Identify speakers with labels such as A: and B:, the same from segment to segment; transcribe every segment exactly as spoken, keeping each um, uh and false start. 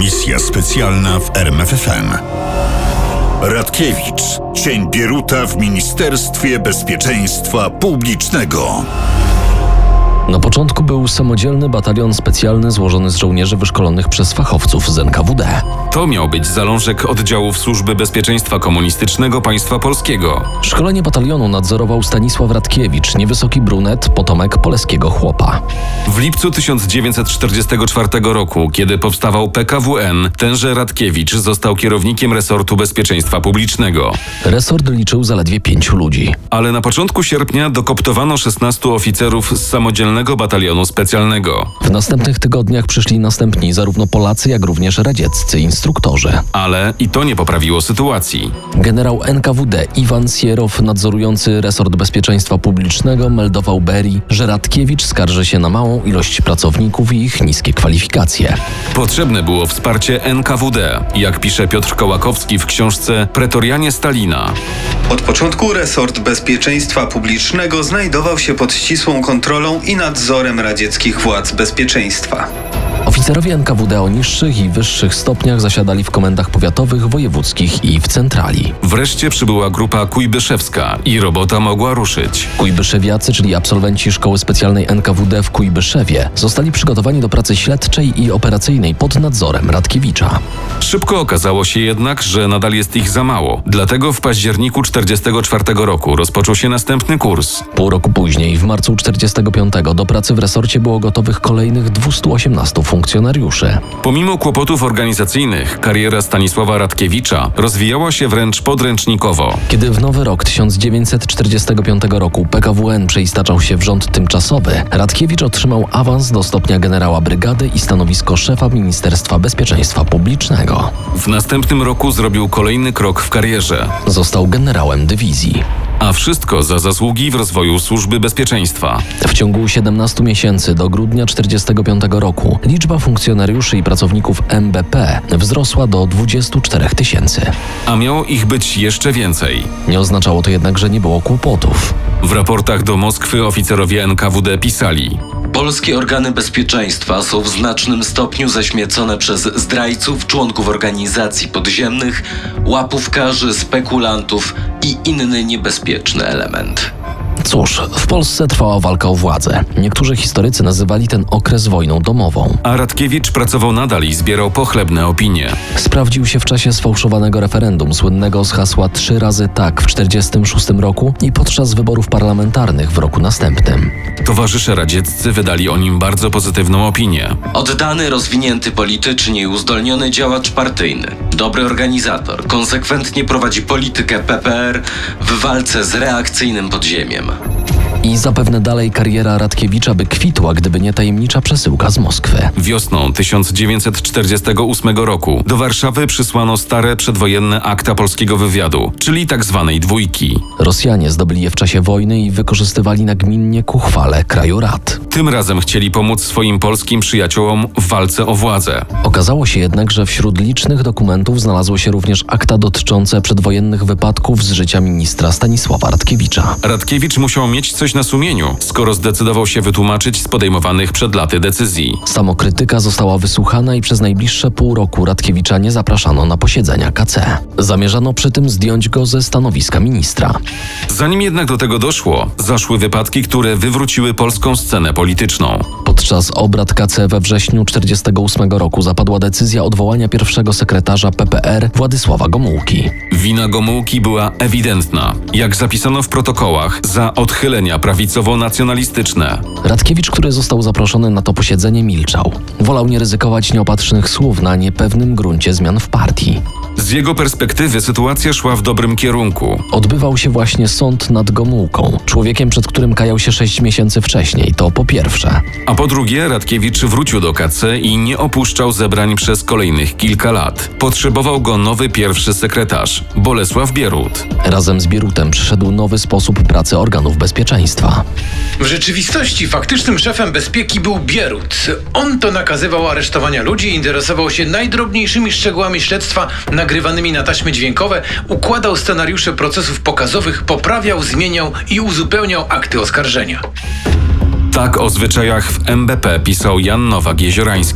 A: Misja specjalna w R M F F M. Radkiewicz. Cień Bieruta w Ministerstwie Bezpieczeństwa Publicznego.
B: Na początku był samodzielny batalion specjalny złożony z żołnierzy wyszkolonych przez fachowców z N K W D.
C: To miał być zalążek oddziałów Służby Bezpieczeństwa Komunistycznego Państwa Polskiego.
B: Szkolenie batalionu nadzorował Stanisław Radkiewicz, niewysoki brunet, potomek poleskiego chłopa.
C: W lipcu tysiąc dziewięćset czterdziestego czwartego roku, kiedy powstawał P K W N, tenże Radkiewicz został kierownikiem resortu bezpieczeństwa publicznego.
B: Resort liczył zaledwie pięciu ludzi.
C: Ale na początku sierpnia dokoptowano szesnastu oficerów z samodzielnego batalionu specjalnego.
B: W następnych tygodniach przyszli następni zarówno Polacy, jak również radzieccy instruktorzy.
C: Ale i to nie poprawiło sytuacji.
B: Generał N K W D Iwan Sierow, nadzorujący resort bezpieczeństwa publicznego, meldował Berii, że Radkiewicz skarży się na małą ilość pracowników i ich niskie kwalifikacje.
C: Potrzebne było wsparcie N K W D, jak pisze Piotr Kołakowski w książce Pretorianie Stalina.
D: Od początku resort bezpieczeństwa publicznego znajdował się pod ścisłą kontrolą i nadzorem radzieckich władz bezpieczeństwa.
B: Oficerowie N K W D o niższych i wyższych stopniach zasiadali w komendach powiatowych, wojewódzkich i w centrali.
C: Wreszcie przybyła grupa kujbyszewska i robota mogła ruszyć.
B: Kujbyszewiacy, czyli absolwenci Szkoły Specjalnej N K W D w Kujbyszewie, zostali przygotowani do pracy śledczej i operacyjnej pod nadzorem Radkiewicza.
C: Szybko okazało się jednak, że nadal jest ich za mało. Dlatego w październiku czterdziestego czwartego roku rozpoczął się następny kurs.
B: Pół roku później, w marcu czterdziestego piątego, do pracy w resorcie było gotowych kolejnych dwieście osiemnastu funkcjonariuszy.
C: Pomimo kłopotów organizacyjnych, kariera Stanisława Radkiewicza rozwijała się wręcz podręcznikowo.
B: Kiedy w nowy rok tysiąc dziewięćset czterdziestego piątego roku P K W N przeistaczał się w rząd tymczasowy, Radkiewicz otrzymał awans do stopnia generała brygady i stanowisko szefa Ministerstwa Bezpieczeństwa Publicznego.
C: W następnym roku zrobił kolejny krok w karierze.
B: Został generałem dywizji.
C: A wszystko za zasługi w rozwoju służby bezpieczeństwa.
B: W ciągu siedemnastu miesięcy do grudnia czterdziestego piątego roku liczba funkcjonariuszy i pracowników M B P wzrosła do dwudziestu czterech tysięcy.
C: A miało ich być jeszcze więcej.
B: Nie oznaczało to jednak, że nie było kłopotów.
C: W raportach do Moskwy oficerowie N K W D pisali:
E: Polskie organy bezpieczeństwa są w znacznym stopniu zaśmiecone przez zdrajców, członków organizacji podziemnych, łapówkarzy, spekulantów i inny niebezpieczny element.
B: Cóż, w Polsce trwała walka o władzę. Niektórzy historycy nazywali ten okres wojną domową.
C: A Radkiewicz pracował nadal i zbierał pochlebne opinie.
B: Sprawdził się w czasie sfałszowanego referendum, słynnego z hasła trzy razy tak w czterdziestym szóstym roku i podczas wyborów parlamentarnych w roku następnym.
C: Towarzysze radzieccy wydali o nim bardzo pozytywną opinię.
E: Oddany, rozwinięty politycznie i uzdolniony działacz partyjny. Dobry organizator, konsekwentnie prowadzi politykę P P R w walce z reakcyjnym podziemiem.
B: I zapewne dalej kariera Radkiewicza by kwitła, gdyby nie tajemnicza przesyłka z Moskwy.
C: Wiosną tysiąc dziewięćset czterdziestego ósmego roku do Warszawy przysłano stare przedwojenne akta polskiego wywiadu, czyli tak zwanej dwójki.
B: Rosjanie zdobyli je w czasie wojny i wykorzystywali nagminnie ku chwale kraju rad.
C: Tym razem chcieli pomóc swoim polskim przyjaciołom w walce o władzę.
B: Okazało się jednak, że wśród licznych dokumentów znalazło się również akta dotyczące przedwojennych wypadków z życia ministra Stanisława Radkiewicza.
C: Radkiewicz musiał mieć coś na sumieniu, skoro zdecydował się wytłumaczyć z podejmowanych przed laty decyzji.
B: Samokrytyka została wysłuchana i przez najbliższe pół roku Radkiewicza nie zapraszano na posiedzenia K C. Zamierzano przy tym zdjąć go ze stanowiska ministra.
C: Zanim jednak do tego doszło, zaszły wypadki, które wywróciły polską scenę polityczną.
B: Podczas obrad K C we wrześniu czterdziestego ósmego roku zapadła decyzja odwołania pierwszego sekretarza P P R Władysława Gomułki.
C: Wina Gomułki była ewidentna. Jak zapisano w protokołach, za odchylenia prawicowo-nacjonalistyczne.
B: Radkiewicz, który został zaproszony na to posiedzenie, milczał. Wolał nie ryzykować nieopatrznych słów na niepewnym gruncie zmian w partii.
C: Z jego perspektywy sytuacja szła w dobrym kierunku.
B: Odbywał się właśnie sąd nad Gomułką, człowiekiem, przed którym kajał się sześć miesięcy wcześniej, to po pierwsze.
C: A po drugie, Radkiewicz wrócił do K C i nie opuszczał zebrań przez kolejnych kilka lat. Potrzebował go nowy pierwszy sekretarz, Bolesław Bierut.
B: Razem z Bierutem przyszedł nowy sposób pracy organów bezpieczeństwa.
F: W rzeczywistości faktycznym szefem bezpieki był Bierut. On to nakazywał aresztowania ludzi, interesował się najdrobniejszymi szczegółami śledztwa nagrywanymi na taśmy dźwiękowe, układał scenariusze procesów pokazowych, poprawiał, zmieniał i uzupełniał akty oskarżenia.
C: Tak o zwyczajach w M B P pisał Jan Nowak-Jeziorański.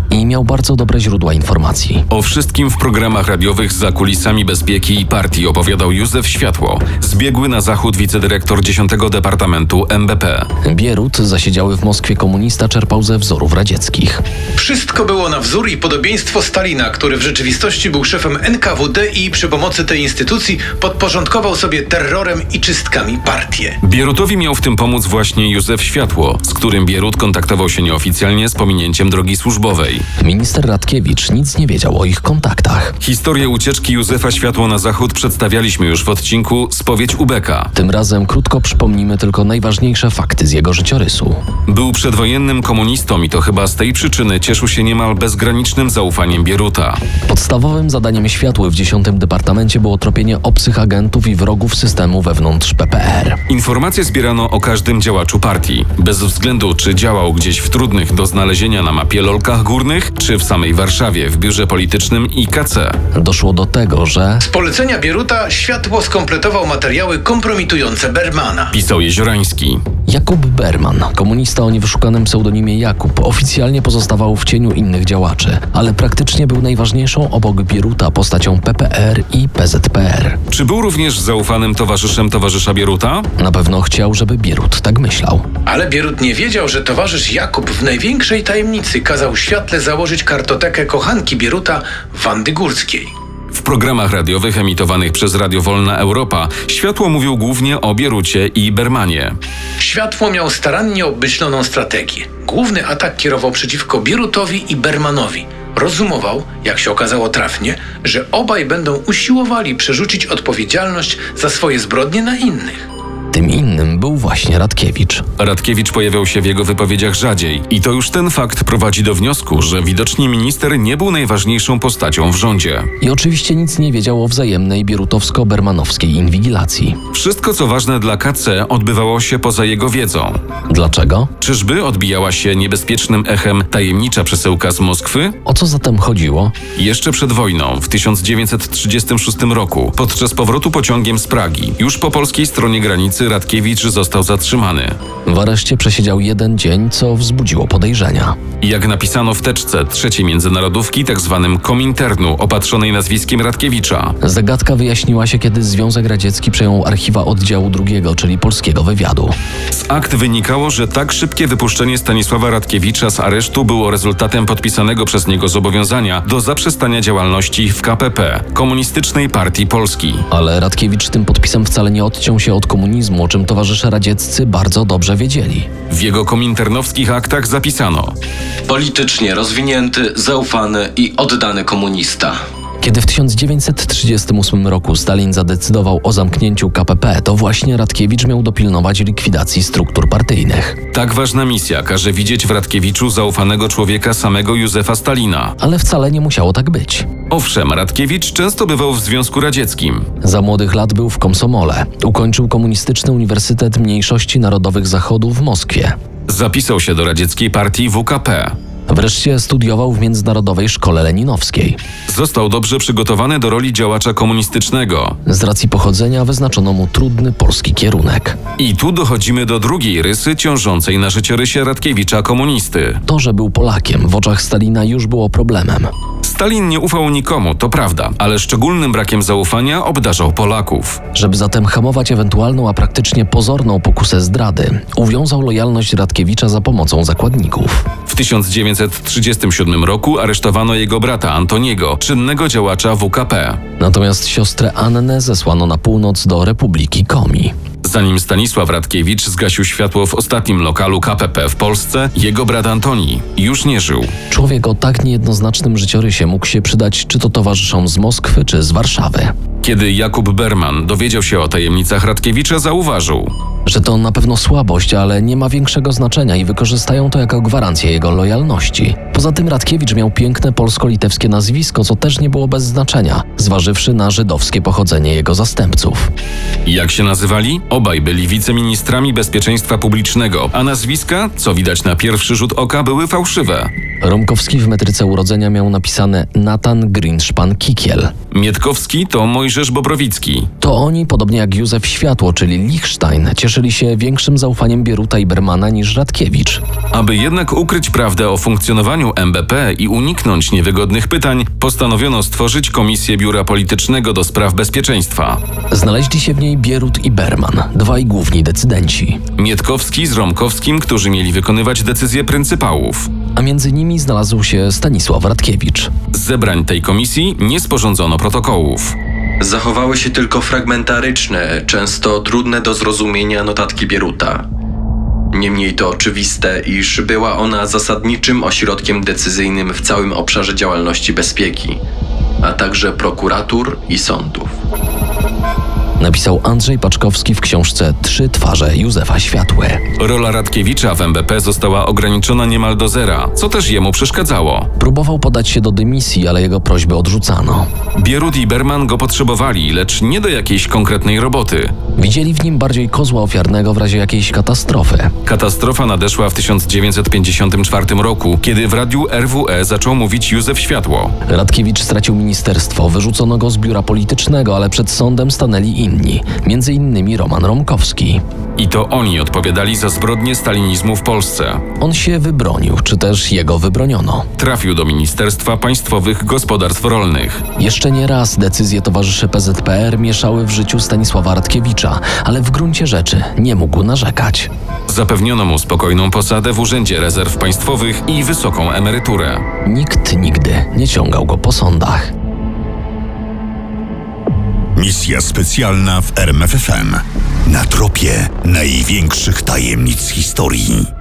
B: i miał bardzo dobre źródła informacji.
C: O wszystkim w programach radiowych za kulisami bezpieki i partii opowiadał Józef Światło, zbiegły na zachód wicedyrektor dziesiątego Departamentu M B P.
B: Bierut, zasiedziały w Moskwie komunista, czerpał ze wzorów radzieckich.
F: Wszystko było na wzór i podobieństwo Stalina, który w rzeczywistości był szefem N K W D i przy pomocy tej instytucji podporządkował sobie terrorem i czystkami partię.
C: Bierutowi miał w tym pomóc właśnie Józef Światło, z którym Bierut kontaktował się nieoficjalnie z pominięciem drogi służbowej.
B: Minister Radkiewicz nic nie wiedział o ich kontaktach.
C: Historię ucieczki Józefa Światło na zachód przedstawialiśmy już w odcinku Spowiedź Ubeka.
B: Tym razem krótko przypomnimy tylko najważniejsze fakty z jego życiorysu.
C: Był przedwojennym komunistą i to chyba z tej przyczyny cieszył się niemal bezgranicznym zaufaniem Bieruta.
B: Podstawowym zadaniem Światły w dziesiątym Departamencie było tropienie obcych agentów i wrogów systemu wewnątrz P P R.
C: Informacje zbierano o każdym działaczu partii, bez względu czy działał gdzieś w trudnych do znalezienia na mapie Lolkach Górnych, czy w samej Warszawie w biurze politycznym I K C.
B: Doszło do tego, że
F: Z polecenia Bieruta Światło skompletował materiały kompromitujące Bermana.
C: Pisał Jeziorański.
B: Jakub Berman, komunista o niewyszukanym pseudonimie Jakub, oficjalnie pozostawał w cieniu innych działaczy, ale praktycznie był najważniejszą obok Bieruta postacią P P R i P Z P R.
C: Czy był również zaufanym towarzyszem towarzysza Bieruta?
B: Na pewno chciał, żeby Bierut tak myślał.
F: Ale Bierut nie wiedział, że towarzysz Jakub w największej tajemnicy kazał Światle założyć kartotekę kochanki Bieruta, Wandy Górskiej.
C: W programach radiowych emitowanych przez Radio Wolna Europa Światło mówił głównie o Bierucie i Bermanie.
F: Światło miał starannie obmyśloną strategię. Główny atak kierował przeciwko Bierutowi i Bermanowi. Rozumował, jak się okazało trafnie, że obaj będą usiłowali przerzucić odpowiedzialność za swoje zbrodnie na innych.
B: Tym innym był właśnie Radkiewicz.
C: Radkiewicz pojawiał się w jego wypowiedziach rzadziej i to już ten fakt prowadzi do wniosku, że widocznie minister nie był najważniejszą postacią w rządzie.
B: I oczywiście nic nie wiedział o wzajemnej bierutowsko-bermanowskiej inwigilacji.
C: Wszystko, co ważne dla K C, odbywało się poza jego wiedzą.
B: Dlaczego?
C: Czyżby odbijała się niebezpiecznym echem tajemnicza przesyłka z Moskwy?
B: O co zatem chodziło?
C: Jeszcze przed wojną, w tysiąc dziewięćset trzydziestym szóstym roku, podczas powrotu pociągiem z Pragi, już po polskiej stronie granicy Radkiewicz został zatrzymany.
B: W areszcie przesiedział jeden dzień, co wzbudziło podejrzenia.
C: Jak napisano w teczce trzeciej międzynarodówki, tak zwanym Kominternu, opatrzonej nazwiskiem Radkiewicza.
B: Zagadka wyjaśniła się, kiedy Związek Radziecki przejął archiwa oddziału drugiego, czyli polskiego wywiadu.
C: Z akt wynikało, że tak szybkie wypuszczenie Stanisława Radkiewicza z aresztu było rezultatem podpisanego przez niego zobowiązania do zaprzestania działalności w K P P, Komunistycznej Partii Polski.
B: Ale Radkiewicz tym podpisem wcale nie odciął się od komunizmu, o czym towarzysze radzieccy bardzo dobrze wiedzieli.
C: W jego kominternowskich aktach zapisano:
E: Politycznie rozwinięty, zaufany i oddany komunista.
B: Kiedy w tysiąc dziewięćset trzydziestym ósmym roku Stalin zadecydował o zamknięciu K P P, to właśnie Radkiewicz miał dopilnować likwidacji struktur partyjnych.
C: Tak ważna misja każe widzieć w Radkiewiczu zaufanego człowieka samego Józefa Stalina.
B: Ale wcale nie musiało tak być.
C: Owszem, Radkiewicz często bywał w Związku Radzieckim.
B: Za młodych lat był w Komsomole. Ukończył Komunistyczny Uniwersytet Mniejszości Narodowych Zachodu w Moskwie.
C: Zapisał się do radzieckiej partii W K P.
B: Wreszcie studiował w Międzynarodowej Szkole Leninowskiej.
C: Został dobrze przygotowany do roli działacza komunistycznego.
B: Z racji pochodzenia wyznaczono mu trudny polski kierunek.
C: I tu dochodzimy do drugiej rysy ciążącej na życiorysie Radkiewicza komunisty.
B: To, że był Polakiem, w oczach Stalina już było problemem.
C: Stalin nie ufał nikomu, to prawda, ale szczególnym brakiem zaufania obdarzał Polaków.
B: Żeby zatem hamować ewentualną, a praktycznie pozorną pokusę zdrady, uwiązał lojalność Radkiewicza za pomocą zakładników.
C: W tysiąc dziewięćset trzydziestym siódmym roku aresztowano jego brata Antoniego, czynnego działacza W K P.
B: Natomiast siostrę Annę zesłano na północ do Republiki Komi.
C: Zanim Stanisław Radkiewicz zgasił światło w ostatnim lokalu K P P w Polsce, jego brat Antoni już nie żył.
B: Człowiek o tak niejednoznacznym życiorysie mógł się przydać czy to towarzyszom z Moskwy, czy z Warszawy.
C: Kiedy Jakub Berman dowiedział się o tajemnicach Radkiewicza, zauważył:
B: Że to na pewno słabość, ale nie ma większego znaczenia i wykorzystają to jako gwarancję jego lojalności. Poza tym Radkiewicz miał piękne polsko-litewskie nazwisko, co też nie było bez znaczenia, zważywszy na żydowskie pochodzenie jego zastępców.
C: Jak się nazywali? Obaj byli wiceministrami bezpieczeństwa publicznego, a nazwiska, co widać na pierwszy rzut oka, były fałszywe.
B: Romkowski w metryce urodzenia miał napisane Natan Grynszpan-Kikiel.
C: Mietkowski to Mojżesz Bobrowicki.
B: To oni, podobnie jak Józef Światło, czyli Lichstein, cieszyli cieszyli się większym zaufaniem Bieruta i Bermana niż Radkiewicz.
C: Aby jednak ukryć prawdę o funkcjonowaniu M B P i uniknąć niewygodnych pytań, postanowiono stworzyć Komisję Biura Politycznego do Spraw Bezpieczeństwa.
B: Znaleźli się w niej Bierut i Berman, dwaj główni decydenci.
C: Mietkowski z Romkowskim, którzy mieli wykonywać decyzje pryncypałów.
B: A między nimi znalazł się Stanisław Radkiewicz.
C: Z zebrań tej komisji nie sporządzono protokołów.
G: Zachowały się tylko fragmentaryczne, często trudne do zrozumienia notatki Bieruta. Niemniej to oczywiste, iż była ona zasadniczym ośrodkiem decyzyjnym w całym obszarze działalności bezpieki, a także prokuratur i sądów.
B: Napisał Andrzej Paczkowski w książce Trzy twarze Józefa Światły.
C: Rola Radkiewicza w M B P została ograniczona niemal do zera, co też jemu przeszkadzało.
B: Próbował podać się do dymisji, ale jego prośby odrzucano.
C: Bierut i Berman go potrzebowali, lecz nie do jakiejś konkretnej roboty.
B: Widzieli w nim bardziej kozła ofiarnego w razie jakiejś katastrofy.
C: Katastrofa nadeszła w tysiąc dziewięćset pięćdziesiątym czwartym roku, kiedy w radiu R W E zaczął mówić Józef Światło.
B: Radkiewicz stracił ministerstwo, wyrzucono go z biura politycznego, ale przed sądem stanęli inni, między innymi Roman Romkowski.
C: I to oni odpowiadali za zbrodnie stalinizmu w Polsce.
B: On się wybronił, czy też jego wybroniono.
C: Trafił do Ministerstwa Państwowych Gospodarstw Rolnych.
B: Jeszcze nie raz decyzje towarzyszy P Z P R mieszały w życiu Stanisława Radkiewicza, ale w gruncie rzeczy nie mógł narzekać.
C: Zapewniono mu spokojną posadę w Urzędzie Rezerw Państwowych i wysoką emeryturę.
B: Nikt nigdy nie ciągał go po sądach.
A: Misja specjalna w R M F F M. Na tropie największych tajemnic historii.